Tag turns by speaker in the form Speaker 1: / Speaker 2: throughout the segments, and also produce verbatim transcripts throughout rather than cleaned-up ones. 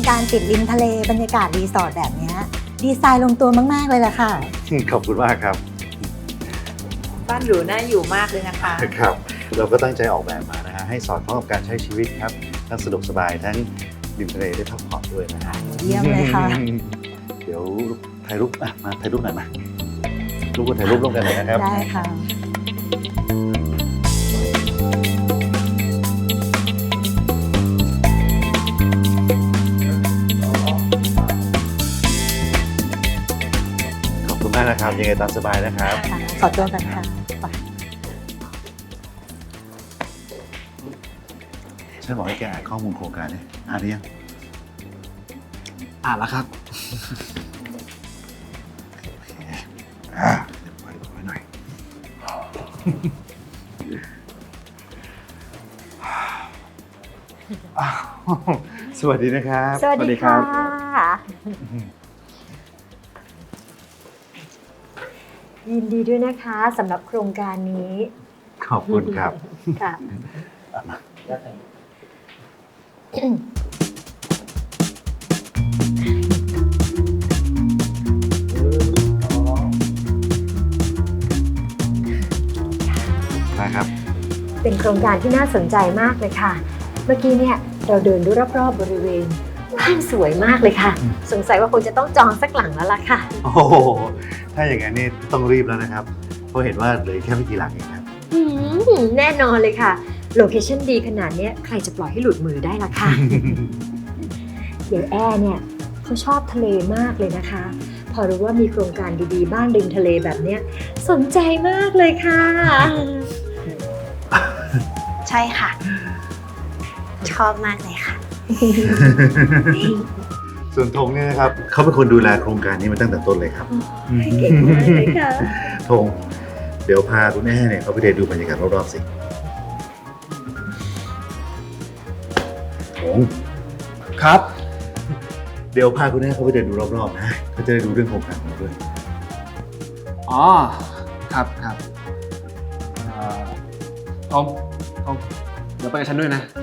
Speaker 1: การติดริมทะเลบรรยากาศรีสอร์ทแบบนี้ดีไซน์ลงตัวมากๆเลยล่ะค่ะ
Speaker 2: ขอบคุณมากครับ
Speaker 3: บ้านหรูน่าอยู่มากเลยนะคะ
Speaker 2: ครับเราก็ตั้งใจออกแบบมานะฮะให้สอดคล้องกับการใช้ชีวิตครับทั้งสะดวกสบายทั้งริมทะเลได้พักผ่อนด้วยนะฮะ
Speaker 1: เยี่ยมเลยค่ะ
Speaker 2: เดี๋ยวถ่ายรูปอ่ะมาถ่ายรูปหน่อยมารูปคนถ่ายรูปร่วมกันเลยนะครับ
Speaker 1: ได้ค่ะ
Speaker 2: ขอบคุณมากนะครับยังไงตามสบายนะครับ
Speaker 1: ขอตัวกันค่ะ
Speaker 2: ฉันบอกให้แกอ่านข้อมูลโครงการเนี่ยอ่านหรือยัง
Speaker 4: อ่านแล้วครับ
Speaker 2: อ่าเดี๋ยวไว้ไว้หน่อยสวัสดีนะครับ
Speaker 1: สวัสดีค่ะยินดีด้วยนะคะสำหรับโครงการนี้
Speaker 2: ขอบคุณครับ
Speaker 1: ค่ะ
Speaker 2: นะครับ
Speaker 1: เป็นโครงการที่น่าสนใจมากเลยค่ะเมื่อกี้เนี่ยเราเดินดูรอบๆบริเวณบ้านสวยมากเลยค่ะสงสัยว่าคงจะต้องจองสักหลังแล้วล่ะค่ะ
Speaker 2: โอ้โหถ้าอย่างนั้นนี่ต้องรีบแล้วนะครับเพราะเห็นว่าเหลือแค่ไม่กี่หลังเองครับ
Speaker 1: แน่นอนเลยค่ะโลเคชั่นดีขนาดนี้ใครจะปล่อยให้หลุดมือได้ล่ะค่ะเดี๋ยวแอร์เนี่ยเขาชอบทะเลมากเลยนะคะพอรู้ว่ามีโครงการดีๆบ้านริมทะเลแบบเนี้ยสนใจมากเลยค่ะ
Speaker 5: ใช่ค่ะชอบมากเลยค่ะ
Speaker 2: ส่วนธงเนี่ยนะครับเขาเป็นคนดูแลโครงการนี้มาตั้งแต่ต้นเลยครับ
Speaker 1: เก่งมากเลยค่ะ
Speaker 2: ธงเดี๋ยวพาคุณแม่เนี่ยเขาไปเดินดูบรรยากาศรอบๆสิธง
Speaker 4: ครับ
Speaker 2: เดี๋ยวพาคุณแม่เขาไปเดินดูรอบๆนะเขาจะได้ดูเรื่องโครงการเราด้วย
Speaker 4: อ๋อครับครับทอมทอมเดี๋ยวไปกับฉันด้วยนะ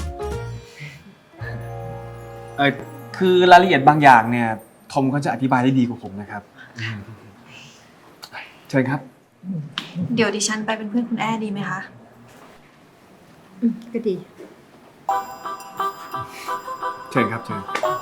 Speaker 4: เออคือรายละเอียดบางอย่างเนี่ยทอมก็จะอธิบายได้ดีกว่าผมนะครับเชิญครับ
Speaker 5: เดี๋ยวดิฉันไปเป็นเพื่อนคุณแอดีไหมคะ
Speaker 1: ก็ดี
Speaker 4: เชิญครับเชิญ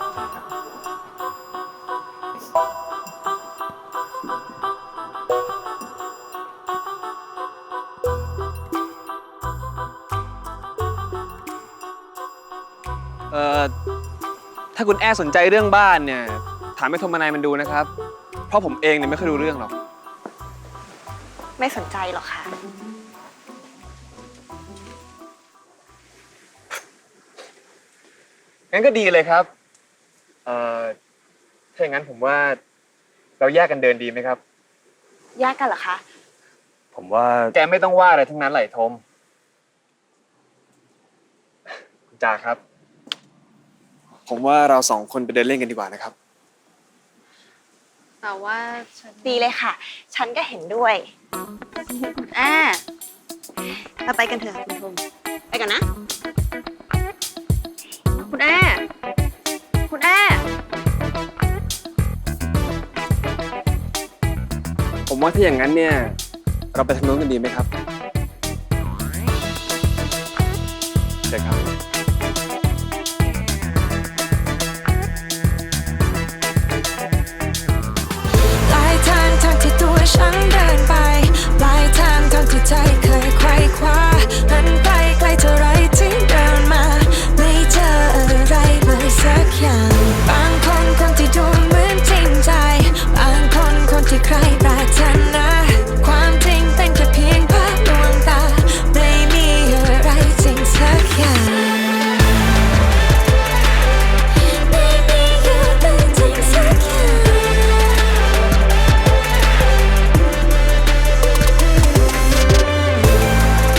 Speaker 4: เอ่อถ้าคุณแอสนใจเรื่องบ้านเนี่ยถามให้โทรมานายมันดูนะครับเพราะผมเองเนี่ยไม่ค่อยรู้เรื่องหรอก
Speaker 5: ไม่สนใจหรอกค่ะ
Speaker 4: งั้นก็ดีเลยครับเอ่อถ้าอย่างนั้นผมว่าเราแยกกันเดินดีไหมครับ
Speaker 5: แยกกันเหรอคะ
Speaker 4: ผมว่าแกไม่ต้องว่าอะไรทั้งนั้นไหลทมคุณจ่าครับผมว่าเราสองคนไปเดินเล่นกันดีกว่านะครับ
Speaker 5: แต่ว่าดีเลยค่ะฉันก็เห็นด้วยอ่าเราไปกันเถอะคุณทมไปกันนะคุณแอคุณแอ
Speaker 4: ผมว่าถ้าอย่างนั้นเนี่ยเราไปทางโน้นกันดีไหมครับเชิญครับ